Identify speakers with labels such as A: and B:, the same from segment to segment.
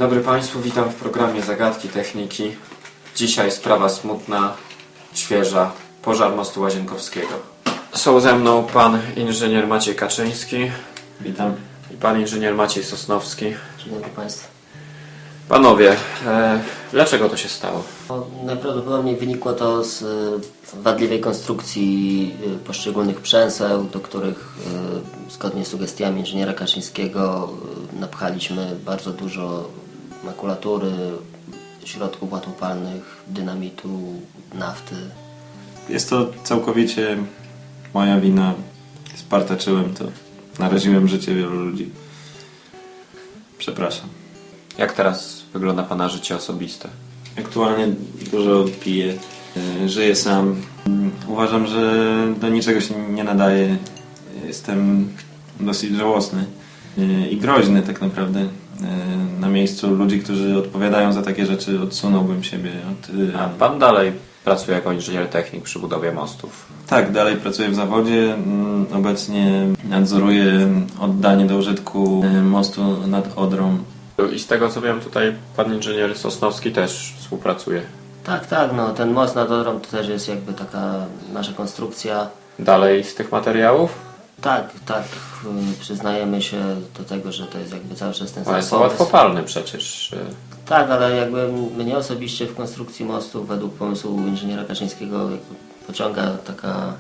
A: dobry Państwu, witam w programie Zagadki Techniki. Dzisiaj sprawa smutna, świeża, pożar mostu Łazienkowskiego. Są ze mną pan inżynier Maciej Kaczyński.
B: Witam.
A: I pan inżynier Maciej Sosnowski.
C: Dzień dobry Państwu.
A: Panowie, dlaczego to się stało?
C: Najprawdopodobniej wynikło to z wadliwej konstrukcji poszczególnych przęseł, do których zgodnie z sugestiami inżyniera Kaczyńskiego napchaliśmy bardzo dużo makulatury, środków łatwopalnych, dynamitu, nafty.
B: Jest to całkowicie moja wina. Spartaczyłem to. Naraziłem życie wielu ludzi. Przepraszam.
A: Jak teraz wygląda pana życie osobiste?
B: Aktualnie dużo piję. Żyję sam. Uważam, że do niczego się nie nadaję. Jestem dosyć żałosny i groźny tak naprawdę. Na miejscu ludzi, którzy odpowiadają za takie rzeczy, odsunąłbym siebie od...
A: A pan dalej pracuje jako inżynier technik przy budowie mostów?
B: Tak, dalej pracuję w zawodzie. Obecnie nadzoruję oddanie do użytku mostu nad Odrą.
A: I z tego co wiem, tutaj pan inżynier Sosnowski też współpracuje.
C: Tak, no ten most nad Odrą to też jest jakby taka nasza konstrukcja.
A: Dalej z tych materiałów?
C: Tak, przyznajemy się do tego, że to jest jakby cały czas ten sam
A: One są
C: pomysł.
A: łatwopalne przecież.
C: Tak, ale jakby mnie osobiście w konstrukcji mostu według pomysłu inżyniera Kaczyńskiego jakby pociąga taka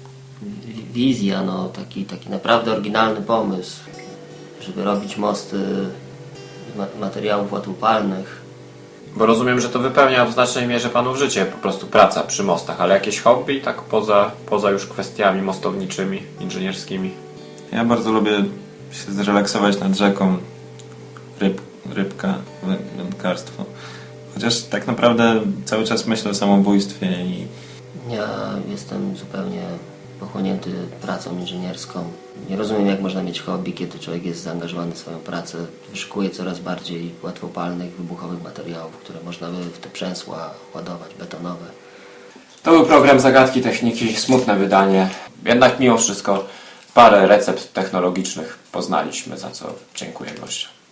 C: wizja, no, taki naprawdę oryginalny pomysł, żeby robić mosty z materiałów łatwopalnych.
A: Bo rozumiem, że to wypełnia w znacznej mierze panu życie, po prostu praca przy mostach, ale jakieś hobby, tak poza już kwestiami mostowniczymi, inżynierskimi?
B: Ja bardzo lubię się zrelaksować nad rzeką, rybka, wędkarstwo. Chociaż tak naprawdę cały czas myślę o samobójstwie i...
C: Ja jestem zupełnie pochłonięty pracą inżynierską. Nie rozumiem, jak można mieć hobby, kiedy człowiek jest zaangażowany w swoją pracę. Wyszukuje coraz bardziej łatwopalnych, wybuchowych materiałów, które można by w te przęsła ładować, betonowe.
A: To był program Zagadki Techniki, smutne wydanie. Jednak mimo wszystko parę recept technologicznych poznaliśmy, za co dziękuję gościom.